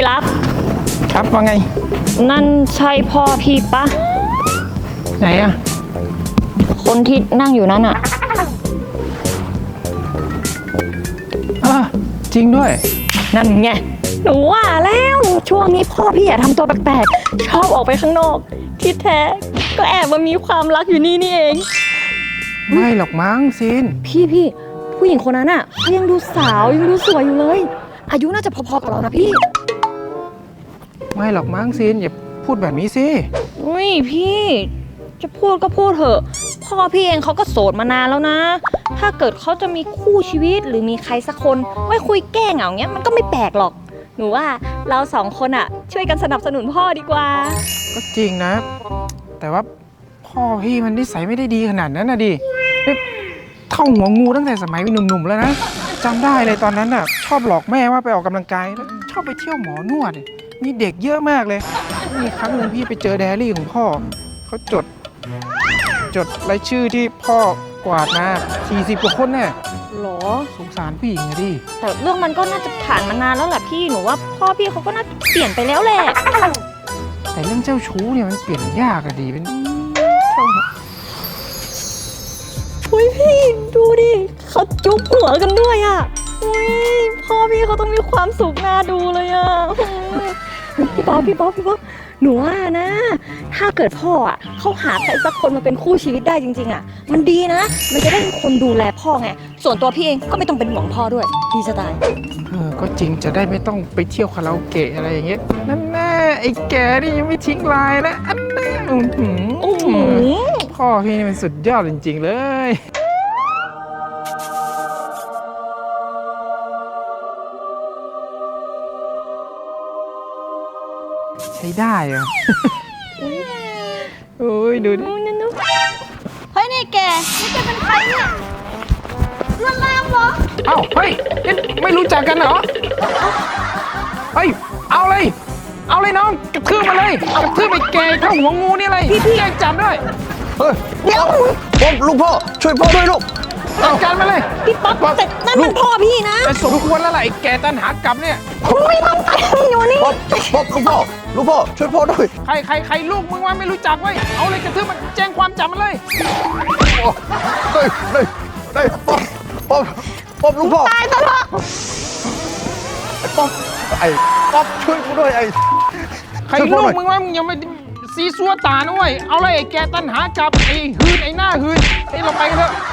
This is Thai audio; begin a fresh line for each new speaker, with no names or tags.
รัก
ครับว่าไง
นั่นใช่พ่อพี่ปะ
ไหนอะ
คนที่นั่งอยู่นั้นอะ
จริงด้วย
นั่นไงหนูว่าแล้วช่วงนี้พ่อพี่อย่าทำตัวแปลกๆชอบออกไปข้างนอกที่แท้ก็แอบมามีความรักอยู่นี่เอง
ไม่หรอกมั้งซิน
พี่ผู้หญิงคนนั้นอะเขายังดูสาวยังดูสวยอยู่เลยอายุน่าจะพอๆกับเรานะพี่
ไม่หรอกมั้งซินอย่าพูดแบบนี้สิ
อุ้ยพี่จะพูดก็พูดเถอะพ่อพี่เองเขาก็โสดมานานแล้วนะถ้าเกิดเขาจะมีคู่ชีวิตหรือมีใครสักคนไว้คุยแก้เหงาเงี้ยมันก็ไม่แปลกหรอกหนูว่าเราสองคนอะช่วยกันสนับสนุนพ่อดีกว่า
ก็จริงนะแต่ว่าพ่อพี่มันนิสัยไม่ได้ดีขนาดนั้นนะดิเข้าหัวงูตั้งแต่สมัยเป็นหนุ่มๆแล้วนะจำได้เลยตอนนั้นน่ะชอบหลอกแม่ว่าไปออกกำลังกายแล้วชอบไปเที่ยวหมอนวดมีเด็กเยอะมากเลยมีครั้งหนึ่งพี่ไปเจอไดอารี่ของพ่อเขาจดรายชื่อที่พ่อกวาดมา40กว่าคนเนี่ย
หรอ
สงสารผู้หญิงอะดิ
แต่เรื่องมันก็น่าจะผ่านมานานแล้วแหละพี่หนูว่าพ่อพี่เขาก็น่าจะเปลี่ยนไปแล้วแหละ
แต่เรื่องเจ้าชู้เนี่ยมันเปลี่ยนยากอะดิเป็น
อุ้ยพี่ดูดิเขาจุ๊บหัวกันด้วยอ่ะอุ้ยพ่อพี่เขาต้องมีความสุขน่าดูเลยอ่ะพี่ป๊อปหนูว่านะถ้าเกิดพ่ออ่ะเขาหาใครสักคนมาเป็นคู่ชีวิตได้จริงๆอ่ะมันดีนะมันจะได้มีคนดูแลพ่อไงส่วนตัวพี่เองก็ไม่ต้องเป็นห่วงพ่อด้วยดีจะตาย
ก็จริงจะได้ไม่ต้องไปเที่ยวคาราโอเกะอะไรอย่างเงี้ยนั่นแน่ไอ้แกนี่ยังไม่ทิ้งลายนะอันแน่พ่อพี่นี่มันสุดยอดจริงๆเลยใช้ได้เหรอโอ้ยดูดิ
เฮ้ยนี่แกเป็นใครเนี่ยลวนลามเหรอ
เอ้าเฮ้ยไม่รู้จักกันเหรอเฮ้ยเอาเลยน้องกระทืบมาเลยกระทืบไปแกเข้าหัวงูนี่เลยพี่แจ้งจับด้วย
เดี๋ยวลูกพ่อช่วยพ่อด้วยลูก
จัดการมาเลย
พี่ป๊อปแต่นั่นมันพ่อพี่นะ
แต่สมควรแล้วล่ะไอ้แกตันหากลับเนี่ย
ไม่ต้องไปอยู่นี่
ป๊อปลูกพ่อช่วยพ่อด้วย
ใครลูกมึงว่าไม่รู้จักไว้เอาเลยกระทืบมันแจ้งความจับมันเลย
ได้ป๊อปลูกพ่อ
ตายซะเถอะ
ป๊อปช่วยกูด้วย
ใครลูกมึงว่ามึงยังไม่ซีซัวตาด้วยเอาเลยไอ้แกตันหากลับไอ้หืนไอ้หน้าหืนเราไปกันเถอะ